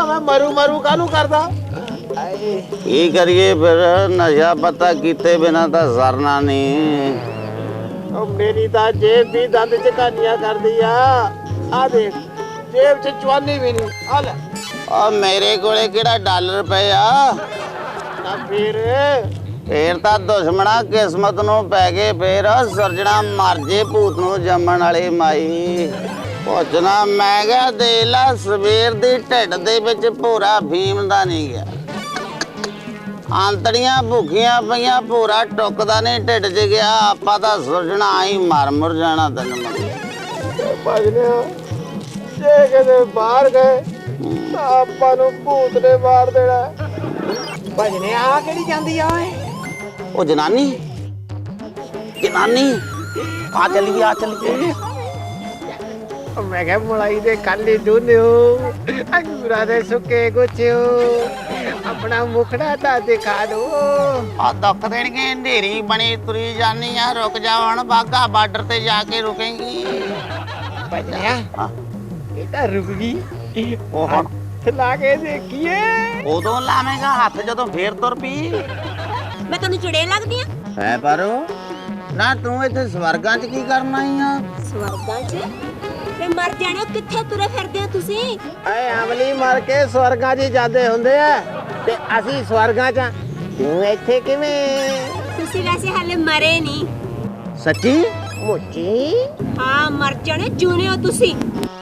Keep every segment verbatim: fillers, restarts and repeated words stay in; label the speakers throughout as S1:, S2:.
S1: भावे मरू मरू कानू करदा
S2: की करिए फिर नशा पता कीते बिना तो सरना नहीं।
S1: मेरी तो जेब भी दंद च कहानियां कर दी आ देख जेब च चवानी भी नहीं आ ले
S2: और मेरे कोले केड़ा डॉलर पे आ
S1: ना फिर
S2: फिर तो दुश्मना किस्मत नू पै गए फिर सरजना मर जे भूत नू जमन वाली माई पुछना मैं क्या दे ला सवेर दी ढिड दे विच भोरा फीम दा नहीं गया आंतड़ियां भुखियां पईयां भोरा टुकदा नहीं ढिड च गया आपां तां सुरजना आई मर मुर जाना तैनूं मंगिया
S1: भजने जे किते बाहर गए तां आपां नूं भूत ने मार देना भजने आ किहड़ी जांदी आ ओए
S2: ओ जनानी जनानी आ चलिए आ चलिए
S1: मैं क्या मलाई दे काली डूनियो अंगूरा दे सुके गुच्छियो अपना मुखड़ा ता दिखा दो
S2: आ दुख देणगे अंधेरी बनी तुरी जानी आ रुक जा हुण बागा बार्डर ते जाके रुकेंगी
S1: भजनिया
S2: हां
S1: ये तां रुक गई
S2: ओ हुण
S1: ला के देखिए
S2: उदों लावेंगा हाथ जदों फेर तुर पी
S3: मैं तैनूं चुड़ेल लगदी आ
S2: है पर ना तू इत्थे स्वर्गां च की करन आई आ
S3: स्वर्गां च ते मर जाणो कित्थे तुरे फिरदे हो तुसीं
S1: ऐ अमली मर के स्वर्गां 'ਚ ਜਾਂਦੇ ਹੁੰਦੇ ਆ ਤੇ ਅਸੀਂ ਸਵਰਗਾਂ 'ਚ ਤੂੰ ਇੱਥੇ ਕਿਵੇਂ
S3: ਤੁਸੀਂ ਵੈਸੇ ਹਾਲੇ ਮਰੇ ਨਹੀਂ
S2: सच्ची
S1: ਮੁੱਚੀ
S3: ਹਾਂ ਮਰ ਜਾਣੇ ਜੂਨੇ ਹੋ ਤੁਸੀਂ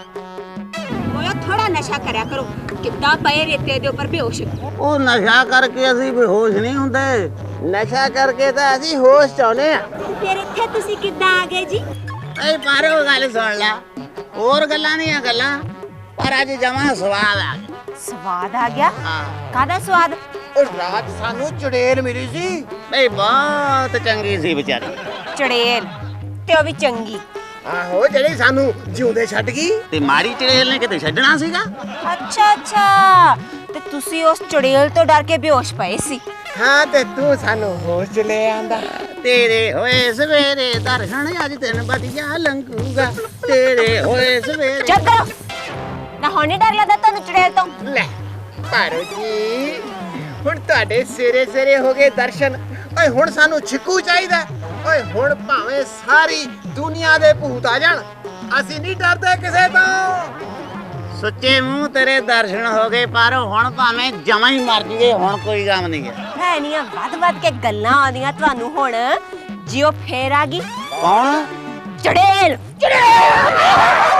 S3: ਮੋਇਆ ਥੋੜਾ ਨਸ਼ਾ ਕਰਿਆ ਕਰੋ ਕਿੱਦਾਂ ਪਏ ਰੇਤੇ ਦੇ ਉੱਪਰ ਬੇਹੋਸ਼
S2: ਉਹ ਨਸ਼ਾ ਕਰਕੇ ਅਸੀਂ ਬੇਹੋਸ਼ ਨਹੀਂ ਹੁੰਦੇ
S1: ਨਸ਼ਾ ਕਰਕੇ ਤਾਂ ਅਸੀਂ ਹੋਸ਼ ਚਾਹੁੰਦੇ ਆ
S3: ਫਿਰ ਇੱਥੇ ਤੁਸੀਂ ਕਿੱਦਾਂ ਆ ਗਏ ਜੀ
S2: ਏ ਪਾਰੋ ਗੱਲ ਸੁਣ ਲੈ ਹੋਰ ਗੱਲਾਂ ਨਹੀਂ ਆ ਗੱਲਾਂ ਪਰ ਅੱਜ ਜਮਾ ਸਵਾਦ ਆ ਗਿਆ
S3: ਸਵਾਦ ਆ ਗਿਆ
S2: ਹਾਂ
S3: ਕਾਹਦਾ ਸਵਾਦ
S1: ਉਹ ਰਾਤ ਸਾਨੂੰ ਚੁੜੇਲ ਮਿਲੀ ਸੀ
S2: ਬਈ ਬਹੁਤ ਚੰਗੀ ਸੀ ਵਿਚਾਰੀ
S3: ਚੜੇਲ ਤੇ ਉਹ ਵੀ ਚੰਗੀ
S1: ਆਹੋ ਜਿਹੜੀ ਸਾਨੂੰ ਜਿਉਂਦੇ ਛੱਡ ਗਈ
S2: ਤੇ ਮਾਰੀ ਚੜੇਲ ਨੇ ਕਿਤੇ ਛੱਡਣਾ ਸੀਗਾ
S3: ਅੱਛਾ ਅੱਛਾ ਤੇ ਤੁਸੀਂ ਉਸ ਚੜੇਲ ਤੋਂ ਡਰ ਕੇ ਬੇਹੋਸ਼ ਪਏ ਸੀ
S1: ਹਾਂ ਤੇ ਤੂੰ ਸਾਨੂੰ ਹੋਸ਼ 'ਚ ਲੈ ਆਂਦਾ
S2: ਤੇਰੇ ਹੋਏ ਸਵੇਰੇ ਦਰਸ਼ਨ ਅੱਜ ਤੈਨੂੰ ਵਧੀਆ ਲੰਘੂਗਾ ਤੇਰੇ ਹੋਏ ਸਵੇਰੇ
S3: ਚੁੱਪ ਕਰੋ ਨਾ ਹੋਣੇ ਡਰ ਲੱਗਦਾ ਤੁਹਾਨੂੰ ਚੜੇਲ ਤੋਂ
S1: ਲੈ ਪਾਰੋ ਜੀ ਹੁਣ ਤੁਹਾਡੇ ਸਿਰੇ ਸਿਰੇ ਹੋ ਗਏ ਦਰਸ਼ਨ ਓਏ ਹੁਣ ਸਾਨੂੰ ਛਿੱਕੂ ਚਾਹੀਦਾ ਓਏ ਹੁਣ ਭਾਵੇਂ ਸਾਰੀ ਦੁਨੀਆ ਦੇ ਭੂਤ ਆ ਜਾਣ ਅਸੀਂ ਨਹੀਂ ਡਰਦੇ ਕਿਸੇ ਤੋਂ
S2: ਸੁੱਚੇ ਮੂੰਹ ਤੇਰੇ ਦਰਸ਼ਨ ਹੋ ਗਏ ਪਰ ਹੁਣ ਭਾਵੇਂ ਜਮਾਂ ਹੀ ਮਰ ਜੀਏ ਹੁਣ ਕੋਈ ਕੰਮ ਨਹੀਂ ਹੈ
S3: ਹੈ ਨੀਆਂ ਵੱਧ ਵੱਧ ਕੇ ਗੱਲਾਂ ਆਉਂਦੀਆਂ ਤੁਹਾਨੂੰ ਹੁਣ ਜਿਉ ਫੇਰ ਆ ਗਈ
S2: ਕੌਣ
S3: ਚੜੇਲ ਚੜੇਲ